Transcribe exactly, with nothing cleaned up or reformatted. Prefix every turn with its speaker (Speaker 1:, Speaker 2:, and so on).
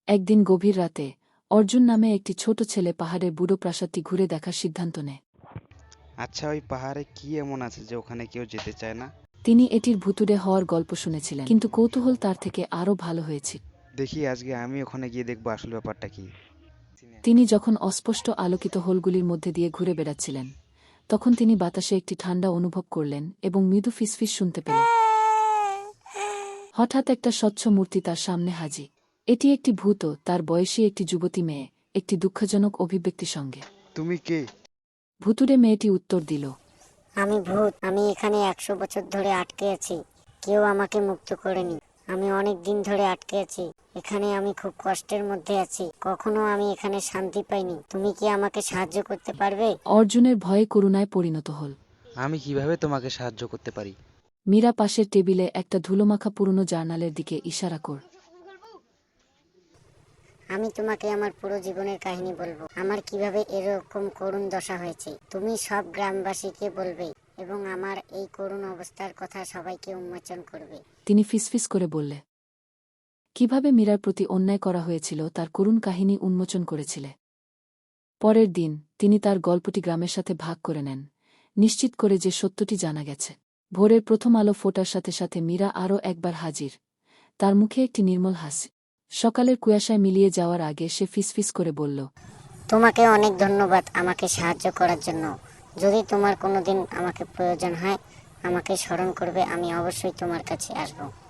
Speaker 1: একদিন গভীর রাতে অর্জুন নামে একটি ছোট ছেলে পাহাড়ের বুড়ো প্রাসাদটি ঘুরে দেখার সিদ্ধান্ত নেয়।
Speaker 2: আচ্ছা, ওই পাহাড়ে কি এমন আছে যে ওখানে কেউ যেতে চায় না?
Speaker 1: তিনি এটির ভুতুড়ে হওয়ার গল্প শুনেছিলেন, কিন্তু কৌতূহল তার থেকে আরও ভালো হয়েছিল।
Speaker 2: দেখি আজকে আমি ওখানে গিয়ে দেখবো আসল ব্যাপারটা কি।
Speaker 1: তিনি যখন অস্পষ্ট আলোকিত হোলগুলির মধ্যে দিয়ে ঘুরে বেড়াচ্ছিলেন, তখন তিনি বাতাসে একটি ঠান্ডা অনুভব করলেন এবং মৃদু ফিসফিস শুনতে পেলেন। হঠাৎ একটা স্বচ্ছ মূর্তি তার সামনে হাজির। এটি একটি ভূত, তার বয়সী একটি যুবতী মেয়ে, একটি দুঃখজনক অভিব্যক্তির সঙ্গে।
Speaker 2: তুমি কে?
Speaker 1: ভুতুড়ে মেয়েটি উত্তর দিল,
Speaker 3: আমি ভূত। আমি এখানে একশো বছর ধরে আটকে আছি। কেউ আমাকে মুক্ত করেনি। আমি অনেক দিন ধরে আটকে আছি এখানে। আমি খুব কষ্টের মধ্যে আছি। কখনো আমি এখানে শান্তি পাইনি। তুমি কি আমাকে সাহায্য করতে পারবে?
Speaker 1: অর্জুনের ভয়ে করুণায় পরিণত হল।
Speaker 2: আমি কিভাবে তোমাকে সাহায্য করতে পারি?
Speaker 1: মীরা পাশের টেবিলে একটা ধুলোমাখা পুরনো জার্নালের দিকে ইশারা কর।
Speaker 3: আমি তোমাকে আমার পুরো জীবনের কাহিনী বলবো, আমার কিভাবে এরকম করুণ দশা হয়েছে। তুমি সব গ্রামবাসীকে বলবে এবং আমার এই করুণ অবস্থার কথা সবাইকে উন্মোচন করবে।
Speaker 1: তিনি ফিসফিস করে বললে, কিভাবে মীরার প্রতি অন্যায় করা হয়েছিল তার করুণ কাহিনী উন্মোচন করেছিলে। পরের দিন তিনি তার গল্পটি গ্রামের সাথে ভাগ করে নেন, নিশ্চিত করে যে সত্যটি জানা গেছে। ভোরের প্রথম আলো ফোটার সাথে সাথে মীরা আরও একবার হাজির, তার মুখে একটি নির্মল হাসি। সকালের কুয়াশায় মিলিয়ে যাওয়ার আগে সে ফিসফিস করে বলল,
Speaker 3: তোমাকে অনেক ধন্যবাদ আমাকে সাহায্য করার জন্য। যদি তোমার কোনোদিন আমাকে প্রয়োজন হয়, আমাকে স্মরণ করবে। আমি অবশ্যই তোমার কাছে আসবো।